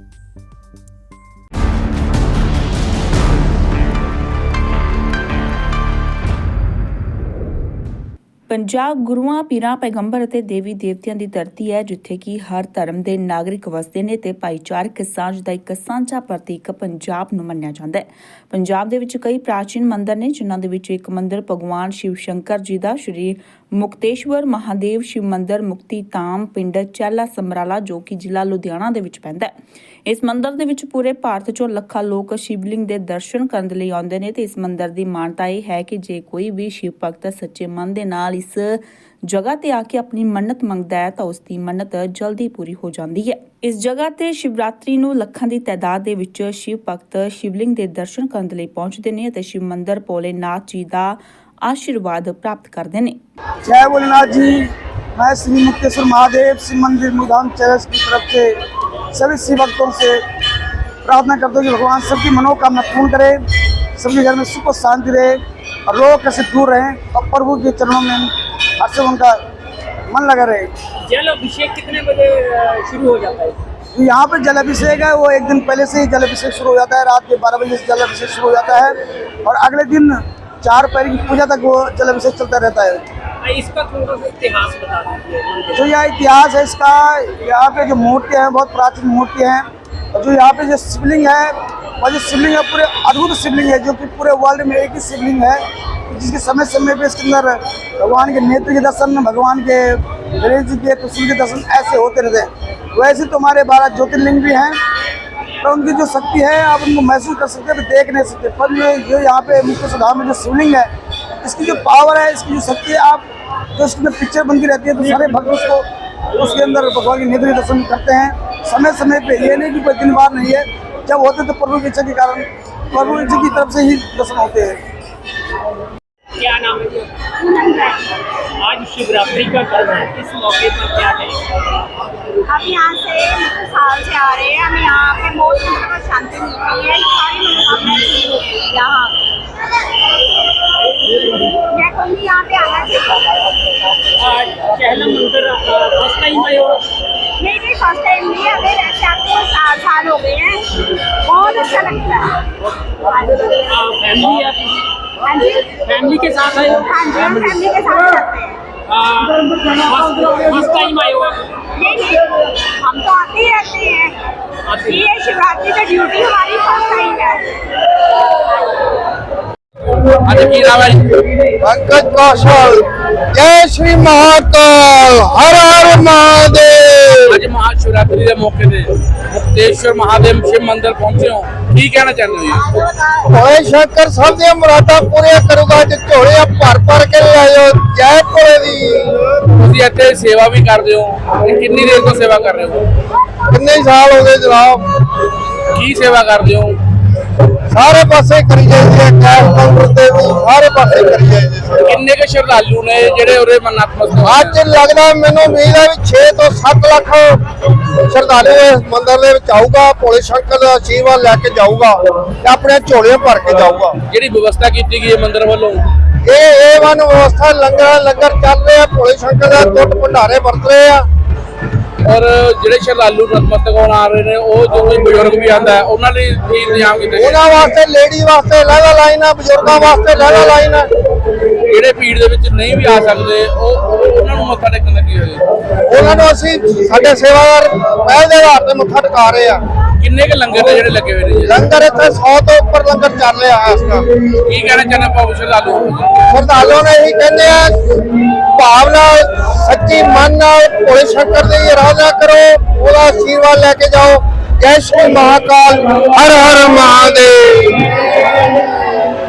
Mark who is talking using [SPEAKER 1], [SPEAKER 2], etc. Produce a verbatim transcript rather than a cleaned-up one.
[SPEAKER 1] ਪੰਜਾਬ ਗੁਰੂਆਂ ਪੀਰਾਂ ਪੈਗੰਬਰ ਅਤੇ ਦੇਵੀ ਦੇਵਤਿਆਂ ਦੀ ਧਰਤੀ ਹੈ, ਜਿੱਥੇ ਕਿ ਹਰ ਧਰਮ ਦੇ ਨਾਗਰਿਕ ਵਸਦੇ ਨੇ ਤੇ ਭਾਈਚਾਰਕ ਸਾਂਝ ਦਾ ਇੱਕ ਸਾਂਝਾ ਪ੍ਰਤੀਕ ਪੰਜਾਬ ਨੂੰ ਮੰਨਿਆ ਜਾਂਦਾ ਹੈ। ਪੰਜਾਬ ਦੇ ਵਿੱਚ ਕਈ ਪ੍ਰਾਚੀਨ ਮੰਦਿਰ ਨੇ, ਜਿਨ੍ਹਾਂ ਦੇ ਵਿੱਚ ਇੱਕ ਮੰਦਿਰ ਭਗਵਾਨ ਸ਼ਿਵ ਸ਼ੰਕਰ ਜੀ ਦਾ ਸ਼੍ਰੀ ਮੁਕਤੇਸ਼ਵਰ ਮਹਾਦੇਵ ਸ਼ਿਵ ਮੰਦਿਰ ਮੁਕਤੀ ਧਾਮ ਪਿੰਡ ਚਹਿਲਾ ਸਮਰਾਲਾ, ਜੋ ਕਿ ਜ਼ਿਲ੍ਹਾ ਲੁਧਿਆਣਾ ਦੇ ਵਿੱਚ ਪੈਂਦਾ ਹੈ। ਇਸ ਮੰਦਿਰ ਦੇ ਵਿੱਚ ਪੂਰੇ ਭਾਰਤ ਚੋਂ ਲੱਖਾਂ ਲੋਕ ਸ਼ਿਵਲਿੰਗ ਦੇ ਦਰਸ਼ਨ ਕਰਨ ਲਈ ਆਉਂਦੇ ਨੇ ਤੇ ਇਸ ਮੰਦਿਰ ਦੀ ਮਾਨਤਾ ਇਹ ਹੈ ਕਿ ਜੇ ਕੋਈ ਵੀ ਸ਼ਿਵ ਭਗਤ ਸੱਚੇ ਮਨ ਦੇ ਨਾਲ ਇਸ ਜਗ੍ਹਾ ਤੇ ਆ ਕੇ ਆਪਣੀ ਮੰਨਤ ਮੰਗਦਾ ਹੈ ਤਾਂ ਉਸ ਦੀ ਮੰਨਤ ਜਲਦੀ ਪੂਰੀ ਹੋ ਜਾਂਦੀ ਹੈ। ਇਸ ਜਗ੍ਹਾ ਤੇ ਸ਼ਿਵਰਾਤਰੀ ਨੂੰ ਲੱਖਾਂ ਦੀ ਤਾਦਾਦ ਦੇ ਵਿੱਚ ਸ਼ਿਵ ਭਗਤ ਸ਼ਿਵਲਿੰਗ ਦੇ ਦਰਸ਼ਨ ਕਰਨ ਲਈ ਪਹੁੰਚਦੇ ਨੇ ਅਤੇ ਸ਼ਿਵ ਮੰਦਿਰ ਭੋਲੇਨਾਥ ਜੀ ਦਾ आशीर्वाद प्राप्त करते हैं।
[SPEAKER 2] जय भोलेनाथ जी। मैं श्री मुक्तेश्वर महादेव शिव मंदिर मुदान चर्च की तरफ से सभी शिव भक्तों से प्रार्थना करते हैं कि भगवान सबकी मनोकामना पूर्ण करे, सबके घर में सुख और शांति रहे और लोग कैसे दूर रहें और प्रभु के चरणों में हर से उनका मन लगा रहे।
[SPEAKER 3] जल अभिषेक कितने बजे शुरू हो जाता है?
[SPEAKER 2] तो यहाँ पे जल अभिषेक है, वो एक दिन पहले से ही जल अभिषेक शुरू हो जाता है। रात के बारह बजे से जल अभिषेक शुरू हो जाता है और अगले दिन चार पैर की पूजा तक वो जल अभिषेक चलता रहता है।
[SPEAKER 3] इसका थोड़ा सा इतिहास बता दीजिए।
[SPEAKER 2] जो यह इतिहास है इसका, यहाँ पे जो मूर्तियाँ हैं बहुत प्राचीन मूर्तियाँ हैं और जो यहाँ पे जो शिवलिंग है वो जो शिवलिंग है पूरे अद्भुत शिवलिंग है, जो कि पूरे वर्ल्ड में एक ही शिवलिंग है, जिसके समय समय पे इसके अंदर भगवान के नेत्र के दर्शन, भगवान के गणेश जी के त्रिशूल के दर्शन ऐसे होते रहते हैं। वैसे तो हमारे बारह ज्योतिर्लिंग भी हैं, पर उनकी जो शक्ति है आप उनको महसूस कर सकते हैं, देख नहीं सकते। पर ये जो यहाँ पे मुक्तेश्वर धाम में जो शिवलिंग है, इसकी जो पावर है, इसकी जो शक्ति है, आप जो इसके अंदर पिक्चर बनती रहती है तो सारे भक्त उसको उसके अंदर भगवान के नेत्र दर्शन करते हैं समय समय पे। ये नहीं कि कोई दिन बार नहीं है, जब होते तो प्रभु की इच्छा के कारण प्रभु की इच्छा की तरफ से ही दर्शन होते हैं।
[SPEAKER 3] क्या नाम है? आज शिवरात्रि का पर्व है, इस मौके पर क्या कहेंगे?
[SPEAKER 4] हम यहाँ से साल से आ रहे हैं, हमें यहाँ पे बहुत शांति मिलती है, सारी मनोकामनाएं पूरी होती है यहाँ। मैं कहूँगी यहाँ पे आना चाहिए।
[SPEAKER 3] चहला मंदिर फर्स्ट टाइम आए हो?
[SPEAKER 4] नहीं नहीं फर्स्ट टाइम नहीं, हमें रहते आपको सात साल हो गए हैं, बहुत अच्छा लगता है।
[SPEAKER 3] फैमिली है?
[SPEAKER 4] हाँ जी,
[SPEAKER 3] फैमिली के साथ आए हो?
[SPEAKER 4] हाँ जी, हम फैमिली के साथ जाते हैं।
[SPEAKER 3] फर्स्ट टाइम आए हो?
[SPEAKER 4] नहीं नहीं, हम तो आते ही रहते हैं। ये शिवरात्रि का ड्यूटी हमारी फर्स्ट टाइम है।
[SPEAKER 3] अच्छा की नाम है?
[SPEAKER 2] पंकज कौशल। जय श्री महाकाल, हर हर महादेव।
[SPEAKER 5] आज महाशिवरात्रि के मौके पे मुक्तेश्वर महादेव शिव मंदिर पहुंचे हो, की कहना चाहते हो?
[SPEAKER 2] भोले शंकर सब दी मुरादा पूरी करूगा, जो झोले भर भर के ले आयो। जय भोले दी।
[SPEAKER 5] ਤੁਸੀਂ ਇੱਥੇ ਸੇਵਾ ਵੀ ਕਰਦੇ ਹੋ, ਤੇ ਕਿੰਨੀ ਦੇਰ ਤੋਂ ਸੇਵਾ ਕਰ ਰਹੇ ਹੋ?
[SPEAKER 2] कितने साल हो गए जनाब?
[SPEAKER 5] ਕੀ ਸੇਵਾ ਕਰਦੇ ਹੋ?
[SPEAKER 2] सारे पासे करी जाइए, कैश काउंटर ते भी सारे पासे करी जाइए।
[SPEAKER 5] ਕਿੰਨੇ ਕੇ ਸ਼ਰਧਾਲੂ ਨੇ ਜਿਹੜੇ ਉਰੇ ਨਤਮਸਤਕ?
[SPEAKER 2] ਅੱਜ ਲੱਗਦਾ ਮੈਨੂੰ ਉਮੀਦ ਹੈ ਵੀ छे ਤੋਂ सत्त ਲੱਖ ਸ਼ਰਧਾਲੂ ਇਸ ਮੰਦਿਰ ਦੇ ਵਿੱਚ ਆਊਗਾ, ਭੋਲੇ ਸ਼ੰਕਰ ਦਾ ਆਸ਼ੀਰਵਾਦ ਲੈ ਕੇ ਜਾਊਗਾ ਤੇ ਆਪਣੇ ਝੋਲੇ ਭਰ ਕੇ ਜਾਊਗਾ।
[SPEAKER 5] ਜਿਹੜੀ ਵਿਵਸਥਾ ਕੀਤੀ ਗਈ ਹੈ ਮੰਦਿਰ ਵੱਲੋਂ,
[SPEAKER 2] ਇਹ ਏ ਵਨ ਵਿਵਸਥਾ, ਲੰਗਰ ਲੰਗਰ ਚੱਲ ਰਿਹਾ, ਭੋਲੇ ਸ਼ੰਕਰ ਦਾ ਟੁੱਟ ਭੰਡਾਰੇ ਵਰਤ ਰਹੇ ਆ।
[SPEAKER 5] ਔਰ ਜਿਹੜੇ ਸ਼ਰਧਾਲੂ ਨਤਮਸਤਕ ਹੋਣ ਆ ਰਹੇ ਨੇ, ਉਹ ਜੋ ਕੋਈ ਬਜ਼ੁਰਗ ਵੀ ਆਂਦਾ ਹੈ ਉਹਨਾਂ ਲਈ ਵੀ ਇੰਤਜ਼ਾਮ ਕੀਤੇ ਗਏ?
[SPEAKER 2] ਉਹਨਾਂ ਵਾਸਤੇ ਲੇਡੀ ਵਾਸਤੇ ਲਹਿਦਾ ਲਾਈਨ ਆ, ਬਜ਼ੁਰਗਾਂ ਵਾਸਤੇ ਲਹਿਦਾ ਲਾਈਨ ਆ।
[SPEAKER 5] ਜਿਹੜੇ ਭੀੜ ਦੇ ਵਿੱਚ ਨਹੀਂ ਵੀ ਆ ਸਕਦੇ, ਉਹ ਉਹਨਾਂ ਨੂੰ ਮੱਥਾ ਟੇਕਣ ਲੱਗੀ ਹੋਈ?
[SPEAKER 2] ਉਹਨਾਂ ਨੂੰ ਅਸੀਂ ਸਾਡੇ ਸੇਵਾਦਾਰ ਪਹਿਲ ਦੇ ਆਧਾਰ ਤੇ ਮੱਥਾ ਟਿਕਾ ਰਹੇ ਆ।
[SPEAKER 5] ਕਿੰਨੇ ਕੇ ਲੰਗਰ ਨੇ ਜਿਹੜੇ ਲੱਗੇ ਹੋਏ ਨੇ?
[SPEAKER 2] ਲੰਗਰ ਇੱਥੇ ਸੌ ਤੋਂ ਉੱਪਰ ਲੰਗਰ ਚੱਲ ਰਿਹਾ ਹੈ ਇਸ ਟਾਈਮ।
[SPEAKER 5] ਕੀ ਕਹਿਣਾ ਚਾਹੁੰਦੇ ਪਾਉ ਸ਼ਰਧਾਲੂ?
[SPEAKER 2] ਸ਼ਰਧਾਲੂਆਂ ਨੇ ਇਹੀ ਕਹਿੰਦੇ ਆ, ਭਾਵ ਨਾਲ ਸੱਚੀ ਮਨ ਨਾਲ ਭੋਲੇ ਸ਼ੰਕਰ ਦੀ ਆਰਾਧਨਾ ਕਰੋ, ਉਹਦਾ ਆਸ਼ੀਰਵਾਦ ਲੈ ਕੇ ਜਾਓ। ਜੈ ਸ਼੍ਰੀ ਮਹਾਕਾਲ, ਹਰ ਹਰ ਮਹਾਦੇਵ।